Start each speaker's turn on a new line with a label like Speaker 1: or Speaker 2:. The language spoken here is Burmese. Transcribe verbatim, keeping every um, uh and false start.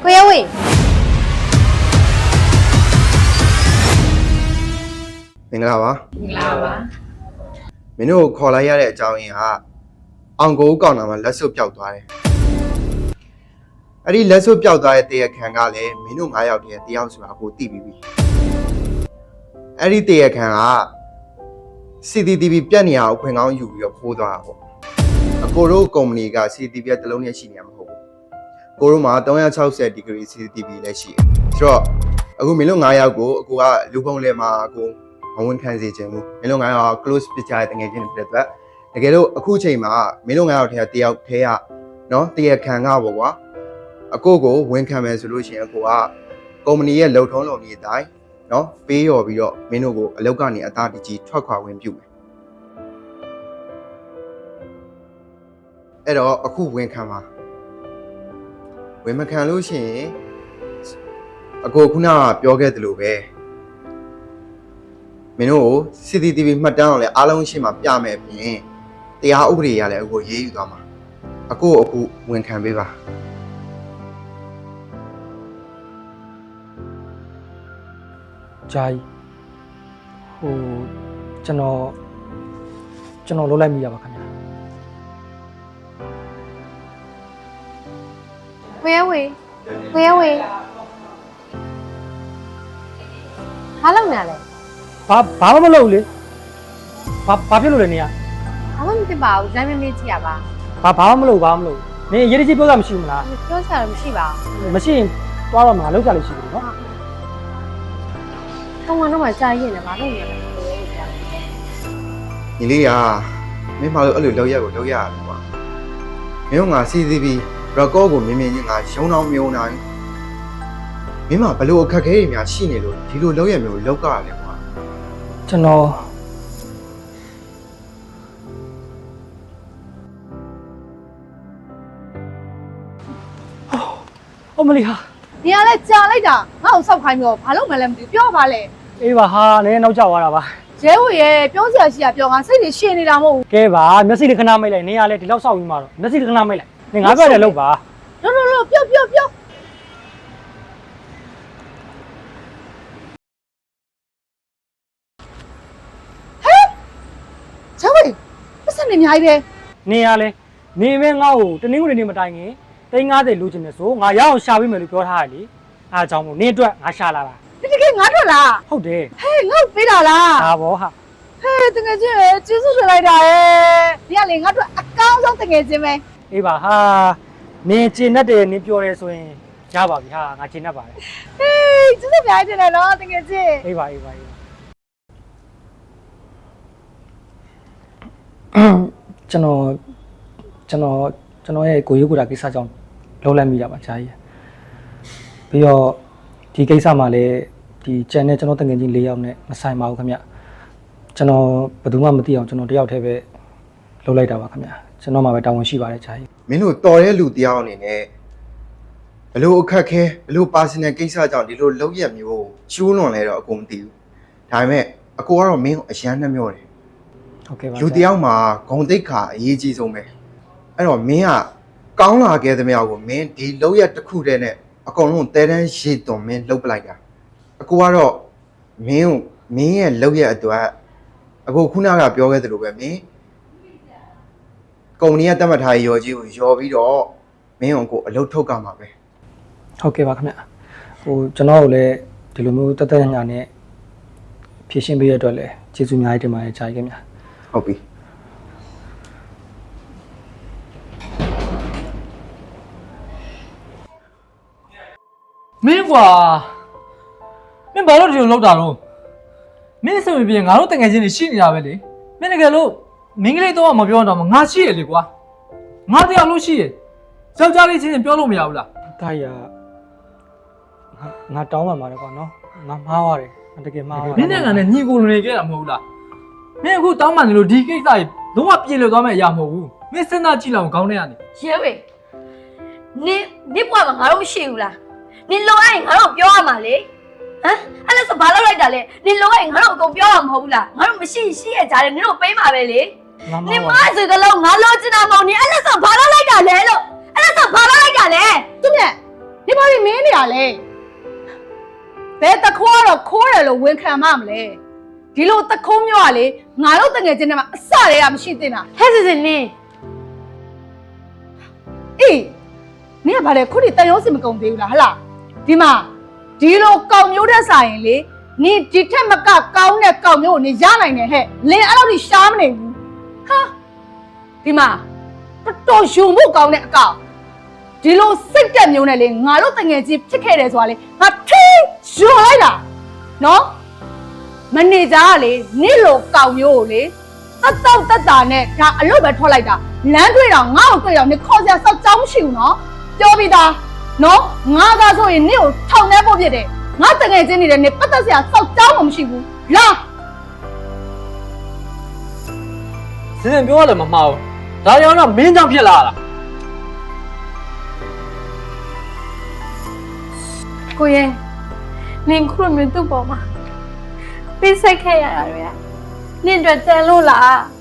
Speaker 1: ကိုရဝေ
Speaker 2: မင်္ဂလာပါ
Speaker 1: မင်္ဂလာပါ
Speaker 2: မင်းတို့ခေါ်လိုက်ရတဲ့အကြောင်းရင်းကအောင်ကိုကောင်းတာမှလက်စွပ်ပျောက်သွားတယ်အဲ့ဒီလက်စွပ်ပျောက်သွားတဲ့တရားခံကလည်းမင်းတို့၅ယောက်တည်းတယောက်ဆိုတာကိုသိပြီးပြီအဲ့ဒီတရားခံက စီ တီ တီ ဗီ ပြတ်နေအောင်ခွင်ကောင်းယူပြီးတော့ဖိုးသွားတာပေါ့အကိုတို့ကုမ္ပဏီက စီ တီ ဗီ တစ်လုံးနဲ့ရှိနေမှာမဟုတ်ဘူးကိုတို့မှာ၃၆၀ degree စီ တီ ဗီ လည်းရှိတယ်ဆိုတော့အခုမင်းတို့၅ယောက်ကိုအကိုကလူပုံလဲမှာအကိုမဝန်ခံစေချင်ဘူးမင်းတို့၅ယောက် close ပြကြတဲ့တကယ်ချင်းတွေဖြစ်တဲ့အတွက်တကယ်လို့အခုချိန်မှာမင်းတို့၅ယောက်ထဲကတယောက်ထဲကနော်တရားခံကပေါ့ကွာအကိုကိုဝန်ခံမယ်ဆိုလို့ရှိရင်အကိုကကုမ္ပဏီရဲ့လုံထုံးလုံနည်းအတိုင်းနော်ပေးရော်ပြီးတော့မင်းတို့ကိုအလုပ်ကနေအသားတကြီးထွက်ခွာဝင်ပြုမယ်အဲ့တော့အခုဝန်ခံပါဝန်မခံလို့ရှိရင်အကိုခုနကပြောခဲ့သလိုပဲမင်းတို့ကို စီ တီ တီ ဗီ မှတ်တမ်းအောင်လဲအားလုံးရှိမှပြမယ်အပြင်တရားဥပဒေရလဲအကိုရေးယူသွားမှာအကိုအခုဝန်ခံပေးပါ
Speaker 3: ဂျာကြီးဟိုကျွန်တော်ကျွန်တော်လုံးလိုက်မိရပါခင်ဗျာ
Speaker 1: ကိုရဝေကိုရဝေဘာလုပ်နေလဲ
Speaker 3: ဘာဘာမှမလုပ်ဘူးလေဘာဘာဖြစ်လို့လဲနေရ
Speaker 1: ဘာမှမဖြစ်ပါဘူးဇိုင်းမမေးကြည့်ရပါ
Speaker 3: ဘာဘာမှမလုပ်ဘာမှမလုပ်နေရေးကြီးပြောတာမရှိဘူးမလား
Speaker 1: ပြောစရာမရှိပါ
Speaker 3: ဘူးမရှိရင်သွားတော့မှာလောက်ကြလို့ရှိတယ်နော်
Speaker 1: ကောင်းကတော့မှကြာရင်လည်းဘာလုပ်နေလဲ
Speaker 2: ညီလေးရာမင်းမလို့အဲ့လိုလောက်ရက်ကိုလောက်ရတယ်ကွာမင်းကငါ စီ တီ ဗီ record ကိုမြင်မြင်ချင်းငါရုံအောင်မြုံနိုင်မင်းမဘလို့အခက်ခဲတွေများရှိနေလို့ဒီလိုလောက်ရက်မျိုးလောက်ကြရတယ်ကွာ
Speaker 3: ကျွန်တော်အမလီဟာ
Speaker 1: နေရာလဲကြာလိုက်တာငါ့ကိုစောက်ခိုင်းပြီးတော့ဘာလုပ်မှလဲမသိဘူးပြောပါလေ
Speaker 3: အေးပါဟာလည်းနောက်ကျသွားတာပါ
Speaker 1: ရဲဝေရဲ့ပြောစရာရှိတာပြောငါစိတ်တွေရှင်းနေတာမဟုတ်ဘူး
Speaker 3: ကဲပါမျက်စိလေးခဏမိတ်လိုက်နေရလဲဒီလောက်စောက်ပြီးမှတော့မျက်စိလေးခဏမိတ်လိုက်နေငါပြောတယ်လို့ပါ
Speaker 1: လို့လို့လို့ပြောပြောပြောဟဲ့ချောဝေပတ်စံနေအများကြီးပဲ
Speaker 3: နေရလဲနေမဲငါ့ကိုတနင်္ဂနွေနေ့မတိုင်ခင်တိန်း90လူချင်တယ်ဆိုငါရအောင်ရှာပေးမယ်လို့ပြောထားတယ်လေအားကြောင့်မို့နေအတွက်ငါရှာလာတာ
Speaker 1: တကယ်ငါထွက်လား
Speaker 3: ဟုတ်တယ်
Speaker 1: ဟဲ့ငါ့ကိုပေးတာလား
Speaker 3: ဒါဘောဟာ
Speaker 1: ဟဲ့တကယ်ချင်းကျေးဇူးတင်လိုက်တာရဲ့ဒီကလေငါတို့အကောင်းဆုံးတကယ်ချင်းပဲ
Speaker 3: အေးပါဟာနင်ကျင်တတ်တယ်နင်ပြောတယ်ဆိုရင်ရပါပြီဟာငါကျင်တတ်ပါတယ်
Speaker 1: ဟေးကျေးဇူးများတင်တယ်နော်တကယ်ချင်း
Speaker 3: အေးပါအေးပါအေးပါကျွန်တော်ကျွန်တော်ကျွန်တော်ရဲ့ကိုရုပ်ကိုယ်တာကိစ္စကြောင့်လုံးလိုက်မိတာပါဂျာကြီးပြီးတော့ဒီကိစ္စမှာလည်းဒီကျန်တဲ့ကျွန်တော်တငယ်ချင်း၄ယောက်နဲ့မဆိုင်ပါဘူးခင်ဗျကျွန်တော်ဘယ်သူမှမသိအောင်ကျွန်တော်တယောက်တည်းပဲလုပ်လိုက်တာပါခင်ဗျကျွန်တော်မှပဲတာဝန်ရှိပါတယ်ဂျာကြီး
Speaker 2: မင်းတို့တော်တဲ့လူတယောက်အနေနဲ့ဘလို့အခက်ခဲဘလို့ personal ကိစ္စကြောင့်ဒီလိုလောက်ရက်မျိုးကျိုးလွန်လဲတော့အကုန်မသိဘူးဒါပေမဲ့အကိုကတော့မင်းကိုအရန်နှမျောတယ်
Speaker 3: ဟုတ်ကဲ့ပါ
Speaker 2: လူတယောက်မှာဂုံတိတ်ခါအရေးကြီးဆုံးပဲအဲ့တော့မင်းကကောင်းလာခဲ့သမျှကိုမင်းဒီလောက်ရက်တစ်ခုတည်းနဲ့အကုန်လုံးတဲတန်းရေသွန်မင်းလှုပ်ပလိုက်တာအကိုကတော့မင်းကိုမင်းရဲ့လောက်ရက်အတွက်အကိုခုနကပြောခဲ့သလိုပဲမင်းကုမ္ပဏီကတတ်မှတ်ထားရော်ကြီးကိုရော်ပြီးတော့မင်းကိုအလုပ်ထုတ်ကြမှာပဲ
Speaker 3: ဟုတ်ကဲ့ပါခင်ဗျဟိုကျွန်တော်တို့လည်းဒီလိုမျိုးတက်တက်ညာနဲ့ဖြည့်ရှင်းပေးရတဲ့အတွက်လည်းကျေးဇူးအများကြီးတင်ပါတယ်ဂျာကြီးခင်ဗျ
Speaker 2: ဟုတ်ပြီ
Speaker 4: မင်းကွာမင်းဘာလို့ဒီလိုလုပ်တာတော့မင်းဆိုရင်ငါတို့တငယ်ချင်းတွေရှိနေတာပဲလေမင်းတကယ်လို့မင်းကလေးတော့မပြောတော့မှငါရှိရလေကွာငါတရားလို့ရှိရယောက်ျားလေးချင်းချင်းပြောလို့မရဘူးလား
Speaker 3: ဒါရငါတောင်းပန်ပါတယ်ကွာနော်ငါမှားပါတယ်တကယ်မှားပါတယ်
Speaker 4: မင်းနဲ့ငါနဲ့ညီကိုနေခဲ့တာမဟုတ်လားမင်းအခုတောင်းပန်နေလို့ဒီကိစ္စကြီးလုံးဝပြေလည်သွားမယ့်အရာမဟုတ်ဘူးမင်းစဉ်းစားကြည့်လောက်ခေါင်းထဲကနေ
Speaker 5: ရဲဝေနင်နစ်ဘွားမှာငါတို့မရှိဘူးလားနင်လောအဲ့ငါတို့ပြောရမှာလေဟမ်အဲ့ဒါဆိုဘာလုပ်လိုက်တာလဲနင်လောအဲ့ငါတို့အကုန်ပြောရမှာမဟုတ်ဘူးလားငါတို့မရှိရှိရကြတယ်နင်တို့ပေးမှာပဲလေနင်မဆိုကြလို့ငါလောချင်တာမဟုတ်နင်အဲ့ဒါဆိုဘာလုပ်လိုက်တာလဲလို့အဲ့ဒါဆိုဘာလုပ်လိုက်တာလဲ
Speaker 1: သူနဲ့ဒီဘာတွေမင်းတာလဲဘယ်တခိုးကတော့ခိုးတယ်လို့ဝန်ခံမှမလဲဒီလိုတခိုးမျိုးကလေငါတို့တငယ်ချင်းတွေမှာအစတည်းကမရှိသင့်တာ
Speaker 5: ဟဲ့စစ်စစ်နင်း
Speaker 1: အေးနင်ကဘာလဲခုထိတန်ရုံးစင်မကုန်သေးဘူးလားဟလားဒီမှာဒီလိုကောင်မျိုးတဲ့ဆိုင်ရင်လေနင်ဒီထက်မကကောင်းတဲ့ကောင်မျိုးကိုနင်ရနိုင်တယ်ဟဲ့လင်အဲ့လိုကြီးရှားမနေဘူးဟာဒီမှာတော်တော်ယူမှုကောင်းတဲ့အကောင်ဒီလိုစိတ်တက်မျိုးနဲ့လေငါတို့တငယ်ချင်းဖြစ်ခဲ့တယ်ဆိုတာလေငါထိယူလိုက်တာနော်မနေကြကလေနင့်လိုကောင်မျိုးကိုလေတတ်တော့တတ်တာနဲ့ဒါအလုပ်ပဲထွက်လိုက်တာလမ်းတွေ့တော့ငါ့ကိုတွေ့တော့နင်ခေါ်စရာစောက်ကြောင်းမရှိဘူးနော်ပြောပြီးသားနော်ငါသာဆိုရင်နင့်ကိုထောင်ထဲပို့ပြစ်တယ်ငါတငယ်ချင်းနေတယ်နင်ပတ်သက်စရာစောက်ကြောင်းမှမရှိဘူးလာ
Speaker 4: စင်စင်ပြောရလည်းမမှားဘူးဒါကြောင့်တော့မင်းကြောင့်ဖြစ်လာတာ
Speaker 5: ကိုရဲ့နင်ခုလိုမျိုးသူ့ပေါ်မှာပေးဆက်ခဲ့ရတာတွေကနင်တို့တန်လို့လား